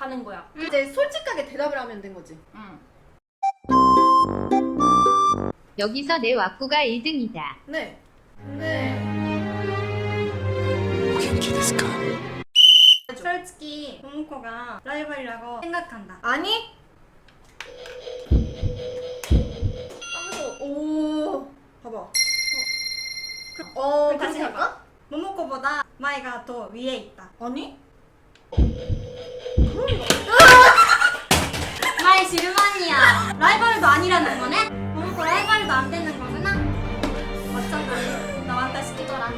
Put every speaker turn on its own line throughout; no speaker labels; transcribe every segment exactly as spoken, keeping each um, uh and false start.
하는 거야.
응. 이제 솔직하게 대답을 하면 된 거지.
응.
여기서 내 왁구가 일 등이다.
네. 네.
솔직히 모모코가 라이벌이라고 생각한다.
아니? 하면서 오 봐봐. 어, 어
다시
그렇게 할까?
모모코보다 마이가 더 위에 있다.
아니?
마이 실망이야. 라이벌도 아니라는 거네? 모모코 라이벌도 안 되는 거구나? 어쩐지 나한테 시키더라.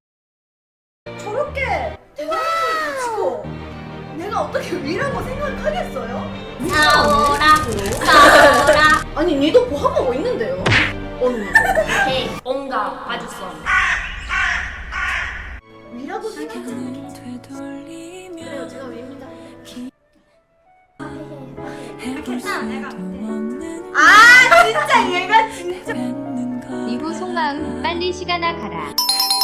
저렇게 대단한 걸 가지고 내가 어떻게 위라고 생각하겠어요?
싸워라 싸워라.
아니 니도 보합하고 있는데요? 언니
헤이, 온가 봐줬어.
위라고 생각하는 그래요 제가 위입니다.
괜찮아 내가
아 진짜 얘가 진짜
이후 속마음 빨리 시간아 가라.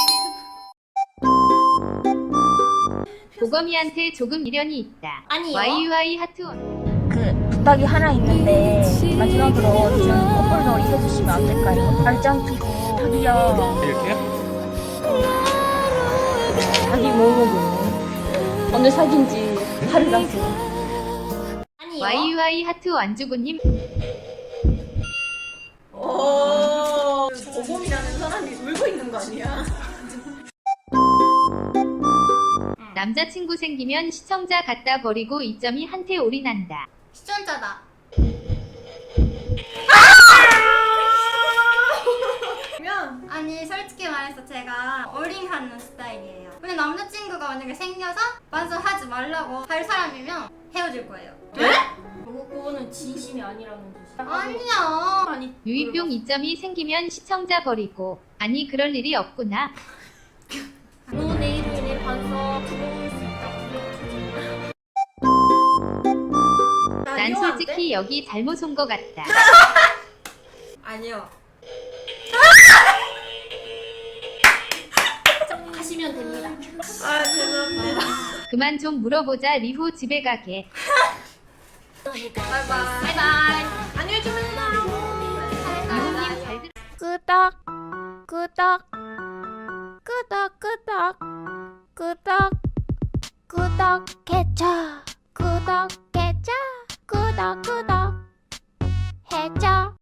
보검이한테 조금 미련이 있다.
아니요.
와이유아이 하트 원.
그 부탁이 하나 있는데 마지막으로 좀 커플 놀이 해주시면 안 될까요? 발장 끼고 자기야
이렇게요?
자기 모르고 오늘 사귄 지 하루 났어.
아니요.
와이유아이 하트 완주구님.
어 보검이라는 사람이 울고 있는 거 아니야?
남자친구 생기면 시청자 갖다 버리고 이 점이 한테 올인한다.
시청자다.
그러면
아니 솔직히 말해서 제가 올인하는 스타일이에요. 근데 남자친구가 만약에 생겨서 반성하지 말라고 할 사람이면 헤어질 거예요.
네?
그거, 그거는 진심이 아니라는 뜻이야.
아니야.
아니,
유이병 이 점이 생기면 시청자 버리고. 아니 그럴 일이 없구나.
너 내일로 인해 반성 부러울 수 있다.
난 솔직히 여기 잘못 온 거 같다.
아니요.
하시면 됩니다.
아 죄송합니다.
그만 좀 물어보자. 리후 집에 가게.
바이바이.
바이바이.
안녕히 주무세요.
유호님 잘 들.
끄덕 끄덕 끄덕 끄덕 끄덕 끄덕 개쳐